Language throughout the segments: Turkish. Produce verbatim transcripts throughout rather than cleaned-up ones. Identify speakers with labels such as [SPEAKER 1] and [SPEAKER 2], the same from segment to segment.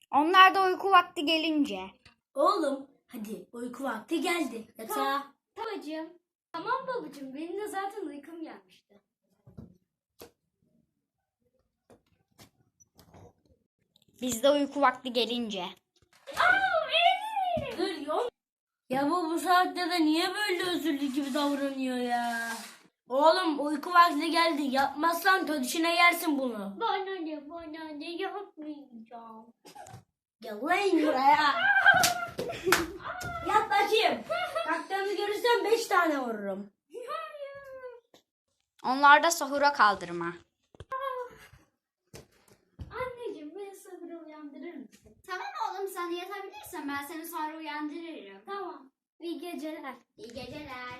[SPEAKER 1] Onlar da uyku vakti gelince.
[SPEAKER 2] Oğlum hadi uyku vakti geldi. Yatağa.
[SPEAKER 3] Babacığım. Tamam babacığım. Benim de zaten uykum gelmişti.
[SPEAKER 1] Biz de uyku vakti gelince.
[SPEAKER 2] Dur yok. Ya bu bu saatte de niye böyle özürlü gibi davranıyor ya? Oğlum uyku vakti geldi. Yapmazsan tödüşüne yersin bunu.
[SPEAKER 3] Bana ne bana ne yapmayacağım.
[SPEAKER 2] Gel lan buraya. Yat bakayım. Kalktığını görürsem beş tane vururum.
[SPEAKER 1] Onlar da sahura kaldırma.
[SPEAKER 3] Anneciğim beni sabırla uyandırır mısın?
[SPEAKER 1] Tamam oğlum, sen yatabilirsen ben seni sonra uyandırırım.
[SPEAKER 3] Tamam. İyi geceler.
[SPEAKER 1] İyi geceler.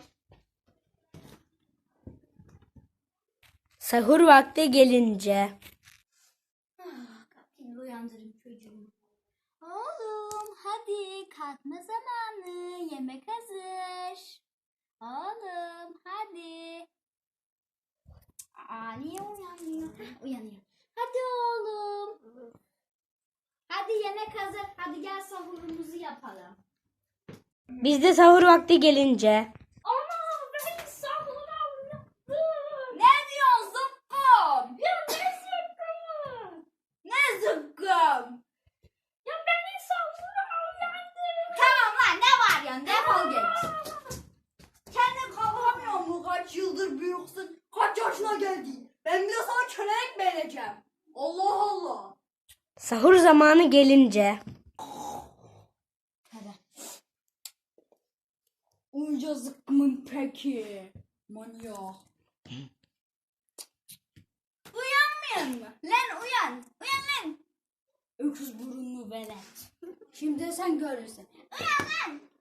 [SPEAKER 2] Sahur vakti gelince.
[SPEAKER 3] Kalkayım uyandırayım çocuğumu.
[SPEAKER 1] Oğlum hadi kalkma zamanı. Yemek hazır. Oğlum hadi. Aa, niye uyanmıyor? Uyanıyor. Hadi oğlum. Hadi yemek hazır. Hadi gel sahurumuzu yapalım.
[SPEAKER 2] Bizde sahur vakti gelince.
[SPEAKER 3] Ana ben sahura uyandım.
[SPEAKER 1] Ne diyorsun zıkkım?
[SPEAKER 3] Ya ne zıkkımı?
[SPEAKER 1] Ne zıkkım?
[SPEAKER 3] Ya beni sahura uyandırın.
[SPEAKER 1] Tamam lan, ne var ya, defol git. Kendin kalkamıyor mu? Kaç yıldır büyüksün? Kaç yaşına geldin? Ben bir de sana kölelik vereceğim. Allah Allah.
[SPEAKER 2] Sahur zamanı gelince.
[SPEAKER 1] Onca zıkkımın peki. Manyak. Uyanmıyor mu? Lan uyan. Uyan lan. Öküz burunlu velet. Şimdi sen görürsün. Uyan lan.